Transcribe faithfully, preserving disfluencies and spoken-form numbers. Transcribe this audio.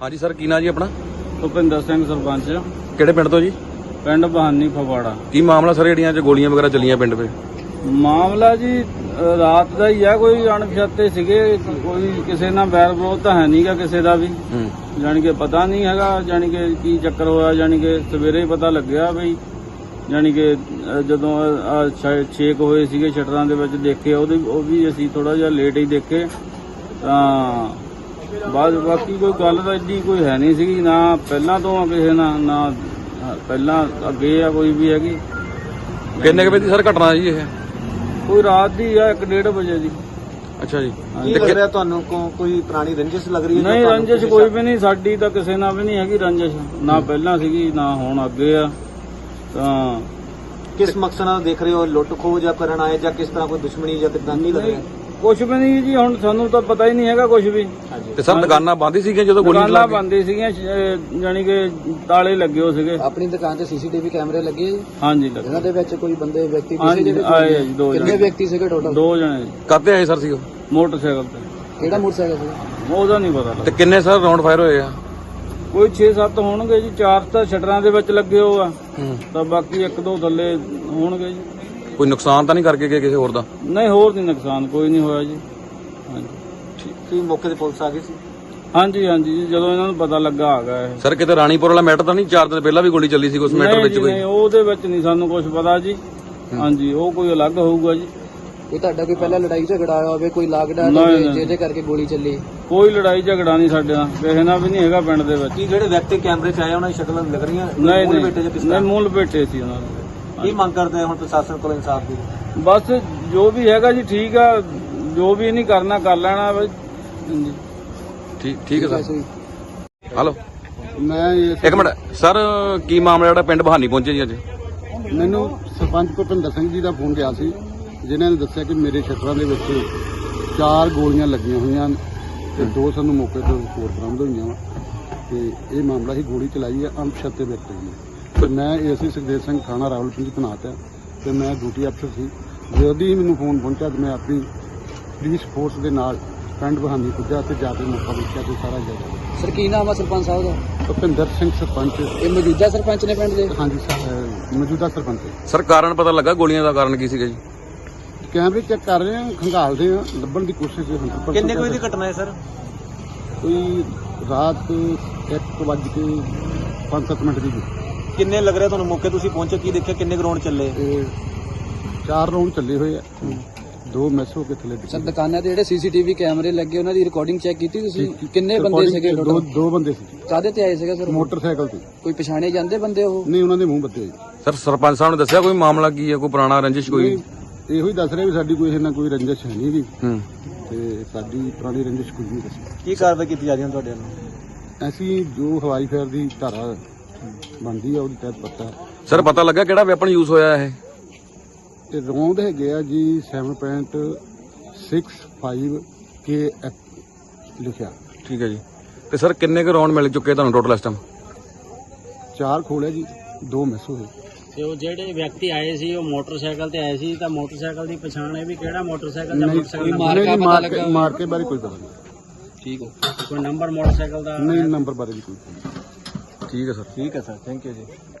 हाँ जी सर, की ना जी अपना? ਭੁਪਿੰਦਰ ਸਿੰਘ ਸਰਪੰਚ ਕਿਹੜੇ ਪਿੰਡ ਤੋਂ ਜੀ? ਪਿੰਡ ਬਹਾਨੀ ਫਗਵਾੜਾ। ਕੀ ਮਾਮਲਾ ਸਰ ਜਿਹੜੀਆਂ ਚ ਗੋਲੀਆਂ ਵਗੈਰਾ ਚੱਲੀਆਂ ਪਿੰਡ 'ਤੇ? ਮਾਮਲਾ ਜੀ ਅ, ਰਾਤ ਦਾ ਹੀ ਆ। ਕੋਈ ਅਣਪਛਾਤੇ ਸੀਗੇ, ਕੋਈ ਕਿਸੇ ਨਾਲ ਬੈਰ ਵਿਰੋਧ ਤਾਂ ਹੈ ਨਹੀਂਗਾ ਕਿਸੇ ਦਾ ਵੀ, ਹੂੰ ਜਾਣੀ ਕਿ ਪਤਾ ਨਹੀਂ ਹੈਗਾ ਜਾਣੀ ਕਿ ਕੀ ਚੱਕਰ ਹੋਇਆ। ਜਾਣੀ ਕਿ ਸਵੇਰੇ ਹੀ ਪਤਾ ਲੱਗਿਆ ਬਈ ਜਾਣੀ ਕਿ ਅ, ਜਦੋਂ ਅ, ਸ਼ਾਇਦ ਛੇਕ ਹੋਏ ਸੀਗੇ ਸ਼ਟਰਾਂ ਦੇ ਵਿੱਚ ਦੇਖੇ, ਉਹਦੇ ਉਹ ਵੀ ਅਸੀਂ ਥੋੜਾ ਜਿਹਾ ਲੇਟ ਹੀ ਦੇਖੇ ਤਾਂ ਬਾਅਦ। ਬਾਕੀ ਕੋਈ ਗੱਲ ਤਾਂ ਏਡੀ ਕੋਈ ਹੈ ਨਹੀਂ ਸੀਗੀ, ਨਾ ਪਹਿਲਾਂ ਤੋਂ ਆ ਕਿਸੇ ਨਾਲ, ਨਾ ਪਹਿਲਾਂ ਅੱਗੇ ਆ ਕੋਈ ਵੀ ਹੈਗੀ। ਕਿੰਨੇ ਕੁ ਵਜੇ ਦੀ ਸਰ ਘਟਨਾ ਜੀ ਇਹ? ਕੋਈ ਰਾਤ ਦੀ ਆ, ਇੱਕ ਡੇਢ ਵਜੇ ਦੀ। ਅੱਛਾ ਜੀ। ਕੀ ਲੱਗ ਰਿਹਾ ਤੁਹਾਨੂੰ? ਕੋ- ਕੋਈ ਪੁਰਾਣੀ ਰੰਜਿਸ਼ ਲੱਗ ਰਹੀ ਹੈ? ਨਹੀਂ, ਰੰਜਿਸ਼ ਕੋਈ ਵੀ ਨਹੀਂ, ਸਾਡੀ ਤਾਂ ਕਿਸੇ ਨਾਲ ਵੀ ਨਹੀਂ ਹੈਗੀ ਰੰਜਿਸ਼, ਨਾ ਪਹਿਲਾਂ ਸੀਗੀ ਨਾ ਹੁਣ ਅੱਗੇ ਆ। ਤਾਂ ਕਿਸ ਮਕਸਦ ਨਾਲ ਦੇਖ ਰਹੇ ਹੋ? ਲੁੱਟ ਖੋਹ ਜਾਂ ਕਰਨ ਆਏ ਜਾਂ ਕਿਸ ਤਰ੍ਹਾਂ ਕੋਈ ਦੁਸ਼ਮਣੀ ਜਾਂ ਕਿੱਦਾਂ ਕੀ ਲੱਗ ਰਿਹਾ? ਕੁਛ ਵੀ ਨਹੀਂ ਜੀ, ਹੁਣ ਸਾਨੂੰ ਤਾਂ ਪਤਾ ਹੀ ਨਹੀਂ ਹੈਗਾ ਕੁਛ ਵੀ। ਤੇ ਸਰ ਦੁਕਾਨਾਂ ਬੰਦ ਹੀ ਸੀਗੀਆਂ ਜਦੋਂ ਗੋਲੀ ਦੁਕਾਨਾਂ ਚੱਲੀ? ਬੰਦ ਹੀ ਸੀਗੀਆਂ, ਸ਼- ਜਾਣੀ ਕਿ ਤਾਲੇ ਲੱਗੇ ਹੋ ਸੀਗੇ। ਆਪਣੀ ਦੁਕਾਨ ਤੇ ਸੀਸੀਟੀਵੀ ਕੈਮਰੇ ਲੱਗੇ ਜੀ, ਹਾਂਜੀ ਲੱਗੇ। ਇਹਨਾਂ ਦੇ ਵਿੱਚ ਕੋਈ ਬੰਦੇ ਵਿਅਕਤੀ ਹਾਂਜੀ ਜਿਹੜੇ ਆਏ ਆ ਜੀ, ਦੋ ਕਿੰਨੇ ਜਣੇ। ਵਿਅਕਤੀ ਸੀਗੇ ਟੋਟਲ? ਦੋ ਜਣੇ ਜੀ, ਕਾਹਤੇ ਆਏ ਸਰ ਸੀ ਉਹ? ਮੋਟਰਸਾਈਕਲ ਤੇ। ਕਿਹੜਾ ਮੋਟਰਸਾਈਕਲ ਸੀ? ਉਹਦਾ ਨਹੀਂ ਪਤਾ ਤੇ ਲੱਗਾ। ਕਿੰਨੇ ਸਰ ਰਾਉਂਡ ਫਾਇਰ ਹੋਏ ਆ? ਕੋਈ ਛੇ ਸੱਤ ਹੋਣਗੇ ਜੀ, ਚਾਰ ਤਾਂ ਸ਼ਟਰਾਂ ਦੇ ਵਿੱਚ ਲੱਗੇ ਹੋ ਆ, ਹੂੰ ਤਾਂ ਬਾਕੀ ਇੱਕ ਦੋ ਥੱਲੇ ਹੋਣਗੇ ਜੀ। ਕੋਈ ਨੁਕਸਾਨ ਤਾਂ ਨਹੀਂ ਕਰਕੇ ਗਏ ਕਿਸੇ ਹੋਰ ਦਾ? ਨਹੀਂ, ਹੋਰ ਨਹੀਂ ਨੁਕਸਾਨ ਕੋਈ ਨਹੀਂ ਹੋਇਆ ਜੀ। ਹਾਂਜੀ ਕੀ ਮੌਕੇ ਤੇ ਪੁਲਿਸ ਆ ਗਈ ਸੀ? ਹਾਂਜੀ ਹਾਂਜੀ ਜੀ, ਜਦੋਂ ਇਹਨਾਂ ਨੂੰ ਪਤਾ ਲੱਗਾ ਆ ਗਿਆ ਇਹ। ਸਰ ਕਿਤੇ ਰਾਣੀਪੁਰ ਵਾਲਾ ਮੈਟਰ ਤਾਂ ਨਹੀਂ? ਚਾਰ ਦਿਨ ਪਹਿਲਾਂ ਵੀ ਗੋਲੀ ਚੱਲੀ ਸੀ ਉਸ ਮੈਟਰ ਨਹੀਂ ਵਿੱਚ ਜੀ, ਕੋਈ? ਨਹੀਂ, ਉਹਦੇ ਵਿੱਚ ਨਹੀਂ ਸਾਨੂੰ ਕੁਝ ਪਤਾ ਜੀ। ਹਾਂਜੀ, ਉਹ ਕੋਈ ਅਲੱਗ ਹੋਊਗਾ ਜੀ। ਕੋਈ ਤੁਹਾਡਾ ਕੋਈ ਪਹਿਲਾਂ ਲੜਾਈ ਝਗੜਾ ਆਇਆ ਹੋਵੇ, ਕੋਈ ਲਾਗਡਾ ਨਹੀਂ, ਹੋਵੇ ਨਹੀਂ। ਜਿਹਦੇ ਕਰਕੇ ਗੋਲੀ ਚੱਲੀ? ਕੋਈ ਲੜਾਈ ਝਗੜਾ ਨਹੀਂ ਸਾਡੇ ਨਾਲ, ਕਿਸੇ ਨਾਲ ਵੀ ਨਹੀਂ ਹੈਗਾ ਪਿੰਡ ਦੇ ਵਿੱਚ। ਕੀ ਜਿਹੜੇ ਵਿਅਕਤੀ ਕੈਮਰੇ 'ਚ ਆਏ ਉਹਨਾਂ ਦੀ ਸ਼ਕਲਾਂ ਲੱਗ ਰਹੀਆਂ? ਨਹੀਂ ਮੂਲ ਨਹੀਂ ਬੇਟੇ ਜਾਂ ਕਿਸ ਨਹੀਂ, ਤਰ੍ਹਾਂ? ਮੂਲ ਬੇਟੇ ਸੀ ਉਹਨਾਂ ਦੇ। ਕੀ ਮੰਗ ਕਰਦੇ ਆ ਹੁਣ ਪ੍ਰਸ਼ਾਸਨ ਕੋਲ ਇਨਸਾਫ ਦੀ? ਬਸ ਜੋ ਵੀ ਹੈਗਾ ਜੀ ਠੀਕ ਆ, ਜੋ ਵੀ ਨਹੀਂ ਕਰਨਾ ਕਰ ਲੈਣਾ ਬਈ। ਹਾਂਜੀ ਠੀਕ ਠੀਕ ਹੈ ਸਰ। ਹਲੋ ਮੈਂ ਇੱਕ ਮਿੰਟ ਸਰ, ਕੀ ਮਾਮਲਾ ਜਿਹੜਾ ਪਿੰਡ ਬਹਾਨੀ ਪਹੁੰਚੇ ਜੀ ਅੱਜ? ਮੈਨੂੰ ਸਰਪੰਚ ਭੁਪਿੰਦਰ ਸਿੰਘ ਜੀ ਦਾ ਫੋਨ ਗਿਆ ਸੀ, ਜਿਨ੍ਹਾਂ ਨੇ ਦੱਸਿਆ ਕਿ ਮੇਰੇ ਸ਼ਟਰਾਂ ਦੇ ਵਿੱਚ ਚਾਰ ਗੋਲੀਆਂ ਲੱਗੀਆਂ ਹੋਈਆਂ ਤੇ ਦੋ ਸਾਨੂੰ ਮੌਕੇ ਤੋਂ ਹੋਰ ਬਰਾਮਦ ਹੋਈਆਂ ਵਾ। ਤੇ ਇਹ ਮਾਮਲਾ ਹੀ ਗੋਲੀ ਚਲਾਈ ਹੈ ਅਣਪਛਾਤੇ ਵਿਅਕਤੀ ਨੇ। ਤੇ ਮੈਂ ਏਸੀ ਸੁਖਦੇਵ ਸਿੰਘ ਥਾਣਾ ਰਾਵਲਪਿੰਡੀ ਤੈਨਾਤ ਹੈ ਤੇ ਮੈਂ ਡਿਊਟੀ ਅਫਸਰ ਸੀ। ਜਦੋਂ ਹੀ ਮੈਨੂੰ ਫੋਨ ਪਹੁੰਚਿਆ ਤੇ ਮੈਂ ਆਪਣੀ ਪੁਲਿਸ ਫੋਰਸ ਦੇ ਨਾਲ ਪਿੰਡ ਬਹਾਨੀ ਪੁੱਜਾ ਤੇ ਜਾ ਕੇ ਮੌਕਾ ਦੇਖਿਆ ਤੇ ਸਾਰਾ ਜਗ੍ਹਾ। ਸਰ ਕੀ ਨਾਮ ਆ ਸਰਪੰਚ ਸਾਹਿਬ ਦਾ? ਭੁਪਿੰਦਰ ਸਿੰਘ ਸਰਪੰਚ। ਇਹ ਮੌਜੂਦਾ ਸਰਪੰਚ ਨੇ ਪਿੰਡ ਦੇ? ਹਾਂਜੀ ਸਰ, ਮੌਜੂਦਾ ਸਰਪੰਚ। ਸਰ ਕਾਰਨ ਪਤਾ ਲੱਗਾ ਗੋਲੀਆਂ ਦਾ ਕਾਰਨ ਕੀ ਸੀਗਾ ਜੀ? ਕੈਮਰੇ ਚੈੱਕ ਕਰ ਰਹੇ ਹਾਂ, ਖੰਗਾਲਦੇ ਹਾਂ, ਲੱਭਣ ਦੀ ਕੋਸ਼ਿਸ਼ ਹੈ। ਕਿੰਨੇ ਕੁ ਵਜੇ ਦੀ ਘਟਨਾ ਹੈ ਸਰ? ਕੋਈ ਰਾਤ ਇੱਕ ਵੱਜ ਕੇ ਪੰਜ ਸੱਤ ਮਿੰਟ ਦੀ। ਕਿੰਨੇ ਲੱਗ ਰਿਹਾ ਤੁਹਾਨੂੰ ਮੌਕੇ ਤੁਸੀਂ ਪਹੁੰਚੇ, ਕੀ ਦੇਖਿਆ? ਕਿੰਨੇ ਗਰਾਊਂਡ ਚੱਲੇ? ਤੇ ਚਾਰ ਰਾਉਂਡ ਚੱਲੇ ਹੋਏ ਆ, ਦੋ ਮਿਸ ਹੋ ਕੇ ਥੱਲੇ ਡਿੱਗੇ। ਸਰ ਦੁਕਾਨਾਂ ਤੇ ਜਿਹੜੇ ਸੀਸੀਟੀਵੀ ਕੈਮਰੇ ਲੱਗੇ ਉਹਨਾਂ ਦੀ ਰਿਕਾਰਡਿੰਗ ਚੈੱਕ ਕੀਤੀ ਤੁਸੀਂ? ਕਿੰਨੇ ਬੰਦੇ ਸੀਗੇ ਦੋ ਟੋਟਲ? ਦੋ ਬੰਦੇ ਸੀ, ਕਾਹਦੇ ਤੇ ਆਏ ਸੀਗੇ ਸਰ? ਮੋਟਰਸਾਈਕਲ ਤੇ। ਕੋਈ ਪਛਾਣੇ ਜਾਂਦੇ ਬੰਦੇ ਉਹ? ਨਹੀਂ, ਉਹਨਾਂ ਦੇ ਮੂੰਹ ਬੱਤੇ ਹੋਏ। ਸਰ ਸਰਪੰਚ ਸਾਹਿਬ ਨੇ ਦੱਸਿਆ ਕੋਈ ਮਾਮਲਾ ਕੀ ਹੈ, ਕੋਈ ਪੁਰਾਣਾ ਰੰਜਿਸ਼ ਕੋਈ? ਇਹੋ ਹੀ ਦੱਸ ਰਿਹਾ ਵੀ ਸਾਡੀ ਕੋਈ ਇਹਨਾਂ ਕੋਈ ਰੰਜਿਸ਼ ਹੈ ਨਹੀਂ ਵੀ, ਹੂੰ ਤੇ ਸਾਡੀ ਪੁਰਾਣੀ ਰੰਜਿਸ਼ ਕੁਝ ਨਹੀਂ ਦੱਸੀ। ਕੀ ਕਾਰਵਾਈ ਕੀਤੀ ਜਾ ਰਹੀ ਹੈ ਤੁਹਾਡੇ ਵੱਲੋਂ? ਅਸੀਂ ਜੋ ਹਵਾਈ ਫੇਰ ਦੀ ਧਾਰਾ ਬਣਦੀ ਆ ਉਹਦੇ ਤਹਿਤ ਪਤਾ। ਸਰ ਪਤਾ ਲੱਗਾ ਕਿਹੜਾ ਵੈਪਨ ਯੂਜ਼ ਹੋਇਆ ਇਹ? ਤੇ ਰੌਂਦ ਹੈਗੇ ਆ ਜੀ ਸੱਤ ਪੁਆਇੰਟ ਛੇ ਪੰਜ ਕੇ ਐਫ ਲਿਖਿਆ। ਠੀਕ ਹੈ ਜੀ। ਤੇ ਸਰ ਕਿੰਨੇ ਕੁ ਰਾਉਂਡ ਮਿਲ ਚੁੱਕੇ ਤੁਹਾਨੂੰ ਟੋਟਲ ਇਸ ਟਾਈਮ? ਚਾਰ ਖੋਲੇ ਜੀ, ਦੋ ਮਿਸ ਹੋਏ। ਤੇ ਉਹ ਜਿਹੜੇ ਵਿਅਕਤੀ ਆਏ ਸੀ ਉਹ ਮੋਟਰਸਾਈਕਲ ਤੇ ਆਏ ਸੀ, ਤਾਂ ਮੋਟਰਸਾਈਕਲ ਦੀ ਪਛਾਣ ਹੈ ਵੀ ਕਿਹੜਾ ਮੋਟਰਸਾਈਕਲ ਦਾ? ਮੋਟਰਸਾਈਕਲ ਮਾਰਕਾ ਨਹੀਂ, ਪਤਾ ਮਾਰਕੇ ਲੱਗਾ? ਮਾਰਕੇ ਬਾਰੇ ਕੋਈ ਪਤਾ ਨਹੀਂ। ਠੀਕ ਹੋ। ਕੋਈ ਨੰਬਰ ਮੋਟਰਸਾਈਕਲ ਦਾ? ਨਹੀਂ, ਨੰਬਰ ਬਾਰੇ ਵੀ ਕੋਈ ਪਤਾ ਨਹੀਂ। ਠੀਕ ਹੈ ਸਰ। ਠੀਕ ਹੈ ਸਰ, ਥੈਂਕ ਯੂ ਜੀ।